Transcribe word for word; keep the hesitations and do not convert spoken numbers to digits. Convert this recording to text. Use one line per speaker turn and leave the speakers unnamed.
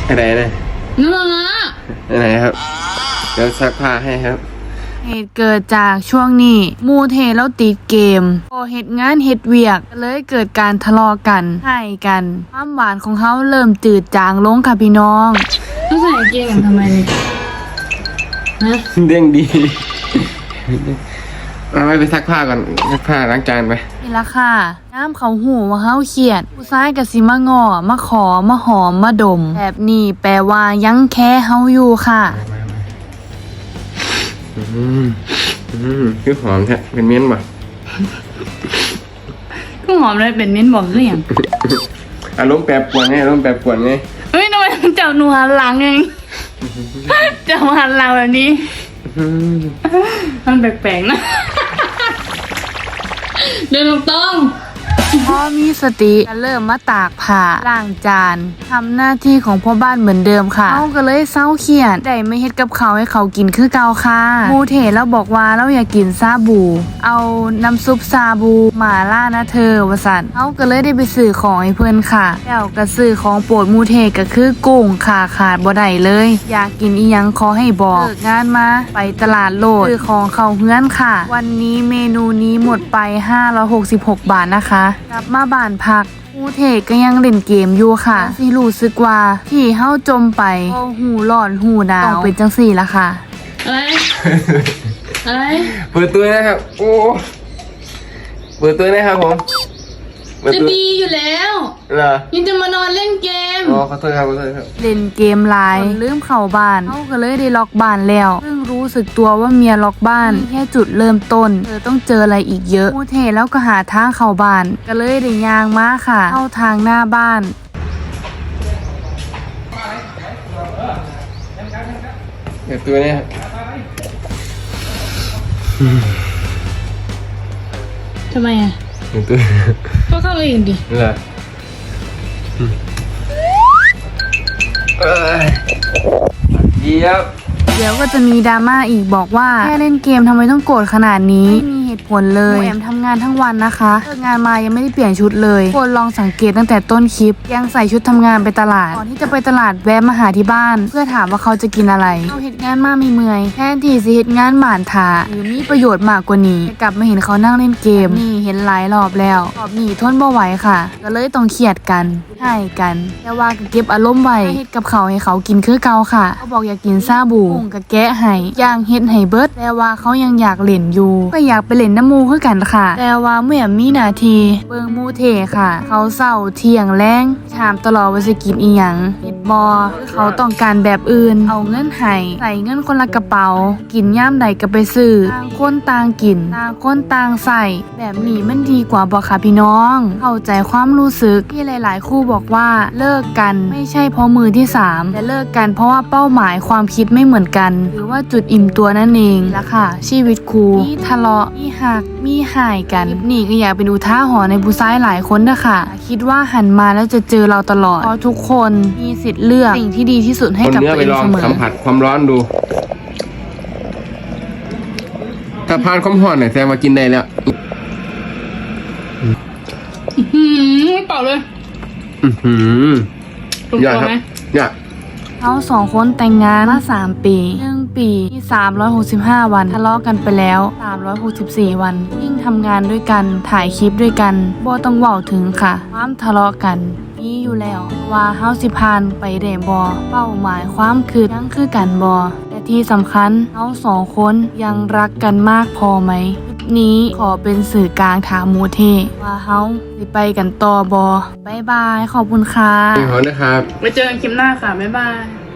อะไรนะ
นั่นนะ
อะไรครับเดี๋ยวซักผ้าให้ครับ
เหตุเกิดจากช่วงนี้มูเทแล้วติดเกมพอเหตุงานเหตุเวียกเลยเกิดการทะเลาะกันให้กันความหวานของเขาเริ่มจืดจางลงค่ะพี่น้องต้องใส่เกงกันทำไมเนี่ยฮะ
เด้งดีเอาไปไปซักผ้าก่อนซักผ้าล้างจานไป
นี่ละค่ะน้ำเขาหูว่าเขาเขียดผู้ชายกับสิมางอมาขอมาหอมมาดมแบบนี้แปลว่ายังแค่เฮาอยู่ค่ะ
อืมอืมคือหอมแท้เป็นเม้นบ่
ก็หอมเลยเป็นเม้นบอกหรือยัง
อารมณ์แปรปรวนไงอารมณ์แปรปรวนไง
เฮ้ยทำไมเจ้าหนูหันหลังเองเจ้าหันหลังแบบนี้มันแปลกๆนะเดินตรงพอมีสติจะเริ่มมาตากผ้าล้างจานทำหน้าที่ของพ่อบ้านเหมือนเดิมค่ะเขาก็เลยเศร้าเขียดได้ไม่เฮ็ดกับเขาให้เขากินคือเก่าค่ะมูเทแล้วบอกว่าเราอยากกินซาบูเอาน้ำซุปซาบูหม่าล่านะเธอวสันเขาก็เลยได้ไปซื้อของให้เพื่อนค่ะแล้วก็ซื้อของโปรดมูเทก็คือกุ้งค่ะขาดบ่ได้เลยอยากกินอีหยังขอให้บอกเลิกงานมาไปตลาดโลดซื้อของเขาเฮือนค่ะวันนี้เมนูนี้หมดไปห้าร้อยหกสิบหกบาทนะคะกลับมาบ้านพักมูเทก็ยังเล่นเกมอยู่ค่ะที่รู้สึกว่าที่เฮาจมไปพอหูร้อนหูหนาวต้องเป็นจังสี่ละค่ะอะไรอะไร
เปิดตัวนะครับโอ้เปิดตัวนะครับผม
จะดีอยู่แล้ว
เหรอ
ยังจะมานอนเล่นเกม
อ๋อขอโทษครับขอโทษครับ
เล่นเกมไลน์ลืมเข้าบ้านเขาก็เลยได้ล็อกบ้านแล้วเพิ่งรู้สึกตัวว่าเมียล็อกบ้านแค่จุดเริ่มต้นเธอต้องเจออะไรอีกเยอะมูเทแล้วก็หาทางเข้าบ้านก็เลยได้ยางมาค่ะเข้าทางหน้าบ้าน
เปิดตัวเนี่ย
ทำไมอ่ะ
เปิดตัว
ก็เข้าเลยดิ
เหรอเออเดี๋ยว
เดี๋ยวก็จะมีดราม่าอีกบอกว่าแค่เล่นเกมทำไมต้องโกรธขนาดนี้ไม่มีเหตุผลเลยแอมทำงานทั้งวันนะคะเลิกงานมายังไม่ได้เปลี่ยนชุดเลยคนลองสังเกตตั้งแต่ต้นคลิปยังใส่ชุดทำงานไปตลาดก่อนที่จะไปตลาดแวะมาหาที่บ้านเพื่อถามว่าเขาจะกินอะไรเขาเหตุงานมาไม่เมื่อยแทนที่จะเหตุงานหมานถาหรือมีประโยชน์มากกว่านี้กลับมาเห็นเขานั่งเล่นเกมนี่เห็นหลายรอบแล้วรอบนี้ทนบ่ไหวค่ะก็เลยต้องเครียดกันให้กันแต่ว่าก็เก็บอารมณ์ไว้เฮ็ดกับเขาให้เขากินคือเก่าค่ะเขาบอกอยากกินซาบูกุ้งก็แกะให้ย่างเฮ็ดให้เบิดแต่ว่าเขายังอยากเล่นอยู่ก็อยากไปเล่นน้ำมูคือกันค่ะแต่ว่าเมื่อมีนาทีเบิ่งมูเทค่ะเขาเศร้าเที่ยงแรงถามตลอดว่าจะกินอีหยังเฮ็ดบ่เขาต้องการแบบอื่นเอาเงินให้ใส่เงินคนละกระเป๋ากินย่ามใดก็ไปซื้อต่างคนต่างกินต่างคนต่างใส่แบบนี้มันดีกว่าบ่ค่ะพี่น้องเข้าใจความรู้สึกที่หลายๆคู่บอกว่าเลิกกันไม่ใช่เพราะมือที่สามแต่เลิกกันเพราะว่าเป้าหมายความคิดไม่เหมือนกันหรือว่าจุดอิ่มตัวนั่นเองละค่ะชีวิตคู่มีทะเลาะมีหักมีหายกันนี่ก็อยากเป็นอุทาหรณ์ในผู้ชายหลายคนนะคะคิดว่าหันมาแล้วจะเจอเราตลอดเพราะทุกคนมีสิทธิ์เลือกสิ่งที่ดีที่สุดให้กับตัวเองเสมอ
สัมผัสความร้อนดูถ้าผ่านความร้อนเนี่ยแสดงว่ากินได้แล้ว
อืมเปล่าเลย
อือหืออยากครับอยาก
เขาสองคนแต่งงานมาสามปีหนึ่งปีที่สามร้อยหกสิบห้าวันทะเลาะกันไปแล้วสามร้อยหกสิบสี่วันยิ่งทำงานด้วยกันถ่ายคลิปด้วยกันบ่ต้องเว้าถึงค่ะความทะเลาะกันมีอยู่แล้วว่าเฮาสิผ่านไปได้บ่เป้าหมายความคือยังคือกันบ่แต่ที่สำคัญเฮาสองคนยังรักกันมากพอไหมนี้ขอเป็นสื่อกลางถามมูเทว่าเฮาสิไปกันต่อบ่บ๊ายบายขอบคุณค่ะ
ขอบคุณนะครับ
ไว้เจอกันคลิปหน้าค่ะบ๊ายบาย